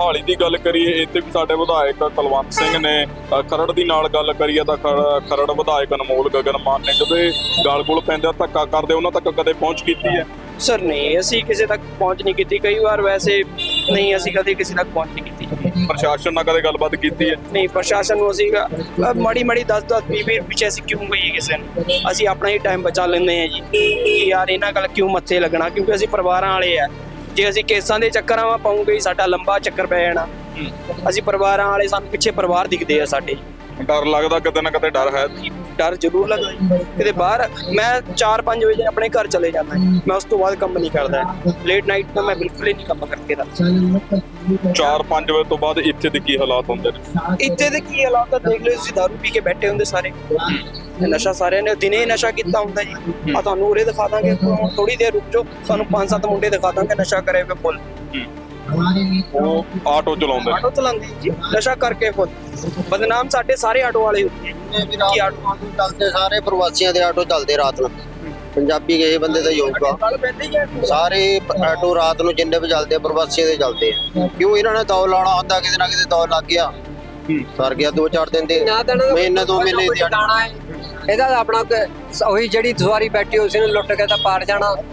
ਮੋਹਾਲੀ ਦੀ ਗੱਲ ਕਰੀਏ, ਇੱਥੇ ਵੀ ਸਾਡੇ ਵਿਧਾਇਕ ਕੁਲਵੰਤ ਸਿੰਘ ਨੇ ਖਰੜ ਦੀ ਨਾਲ ਗੱਲ ਕਰੀਏ ਤਾਂ ਖਰੜ ਵਿਧਾਇਕ ਅਨਮੋਲ ਗਗਨ ਮਾਨ ਨੇ ਕਦੇ ਗਾਲ ਗੋਲ ਪੈਂਦੇ ਧੱਕਾ ਕਰਦੇ ਉਹਨਾਂ ਤੱਕ ਕਦੇ ਪਹੁੰਚ ਕੀਤੀ ਹੈ? ਸਰ ਨਹੀਂ, ਅਸੀਂ ਕਿਸੇ ਤੱਕ ਪਹੁੰਚ ਨਹੀਂ ਕੀਤੀ। ਕਈ ਵਾਰ ਵੈਸੇ ਨਹੀਂ, ਅਸੀਂ ਕਦੇ ਕਿਸੇ ਤੱਕ ਪਹੁੰਚ ਨਹੀਂ ਕੀਤੀ। ਪ੍ਰਸ਼ਾਸਨ ਨਾਲ ਕਦੇ ਗੱਲਬਾਤ ਕੀਤੀ ਹੈ? ਨਹੀਂ, ਪ੍ਰਸ਼ਾਸਨ ਨੂੰ ਅਸੀਂ ਮਾੜੀ 10-10 20 ਪਿੱਛੇ ਅਸੀਂ ਕਿਉਂ ਕਹੀਏ ਕਿਸੇ ਨੂੰ। ਅਸੀਂ ਆਪਣਾ ਹੀ ਟਾਈਮ ਬਚਾ ਲੈਂਦੇ ਹਾਂ ਜੀ ਕਿ ਯਾਰ ਇਹਨਾਂ ਗੱਲ ਕਿਉਂ ਮੱਥੇ ਲੱਗਣਾ, ਕਿਉਂਕਿ ਅਸੀਂ ਪਰਿਵਾਰਾਂ ਵਾਲੇ ਆ। ਜੇ ਅਸੀਂ ਕੇਸਾਂ ਦੇ ਚੱਕਰਾਂ ਵਾ ਪਾਉਂਗੇ ਸਾਡਾ ਲੰਬਾ ਚੱਕਰ ਪੈ ਜਾਣਾ। ਅਸੀਂ ਪਰਿਵਾਰਾਂ ਵਾਲੇ, ਸਾਨੂੰ ਪਿੱਛੇ ਪਰਿਵਾਰ ਦਿਖਦੇ ਆ ਸਾਡੇ। ਡਰ ਲੱਗਦਾ ਕਿਤੇ ਨਾ ਕਿਤੇ? ਡਰ ਹੈ? ਡਰ ਜ਼ਰੂਰ ਲੱਗਦਾ ਜੀ। ਕਿਤੇ ਬਾਹਰ ਮੈਂ 4-5 ਵਜੇ ਆਪਣੇ ਘਰ ਚਲੇ ਜਾਂਦਾ, ਮੈਂ ਉਸ ਤੋਂ ਬਾਅਦ ਕੰਮ ਨਹੀਂ ਕਰਦਾ। ਲੇਟ ਨਾਈਟ ਤਾਂ ਮੈਂ ਬਿਲਕੁਲ ਹੀ ਨਹੀਂ ਕੰਮ ਕਰਕੇ ਰੱਖਦਾ। 4-5 ਵਜੇ ਤੋਂ ਬਾਅਦ ਇੱਥੇ ਦੇ ਕੀ ਹਾਲਾਤ ਹੁੰਦੇ ਨੇ? ਇੱਥੇ ਦੇ ਕੀ ਹਾਲਾਤ ਆ ਦੇਖ ਲਓ। ਤੁਸੀਂ ਦਾਰੂ ਪੀ ਕੇ ਬੈਠੇ ਹੁੰਦੇ ਸਾਰੇ, ਨਸ਼ਾ ਸਾਰਿਆਂ ਨੇ ਦਿਨੇ ਨਸ਼ਾ ਕੀਤਾ ਹੁੰਦਾ ਜੀ। ਆ ਤੁਹਾਨੂੰ ਉਰੇ ਦਿਖਾ ਦਾਂਗੇ, ਥੋੜੀ ਦੇਰ ਰੁਕ ਜਾਓ, ਤੁਹਾਨੂੰ 5-7 ਮੁੰਡੇ ਦਿਖਾ ਦਾਂਗੇ ਨਸ਼ਾ ਕਰੇ ਹੋਏ ਫੁੱਲ। ਉਹ ਆਟੋ ਚਲਾਉਂਦੇ ਨੇ? ਆਟੋ ਚਲਾਉਂਦੇ ਜੀ, ਨਸ਼ਾ ਕਰਕੇ ਫੁੱਲ। ਬਦਨਾਮ ਸਾਡੇ ਸਾਰੇ ਆਟੋ ਵਾਲੇ ਹੁੰਦੇ ਕੀ ਆਟੋ ਚੱਲਦੇ, ਸਾਰੇ ਪ੍ਰਵਾਸੀਆਂ ਦੇ ਆਟੋ ਚੱਲਦੇ ਰਾਤ ਨੂੰ। ਪੰਜਾਬੀ ਕਿਸੇ ਬੰਦੇ ਦਾ ਯੋਗਾ ਸਾਰੇ ਆਟੋ ਰਾਤ ਨੂੰ ਜਿੰਨੇ ਵੀ ਚੱਲਦੇ ਆ ਪ੍ਰਵਾਸੀਆਂ ਦੇ ਚੱਲਦੇ ਆ। ਕਿਉਂ ਇਹਨਾਂ ਨੇ ਦੌੜ ਲਾਉਣਾ ਹੁੰਦਾ, ਕਿਤੇ ਨਾ ਕਿਤੇ ਦੌੜ ਲੱਗ ਗਿਆ, ਸਰ ਗਿਆ 4-4 ਦਿਨ ਦੇ ਮਹੀਨੇ 2 ਮਹੀਨੇ ਦੀ ਇਹਦਾ ਆਪਣਾ ਉਹੀ ਜਿਹੜੀ ਸਵਾਰੀ ਬੈਠੀ ਉਸ ਨੂੰ ਲੁੱਟ ਕੇ ਤਾਂ ਪਾਰ ਜਾਣਾ।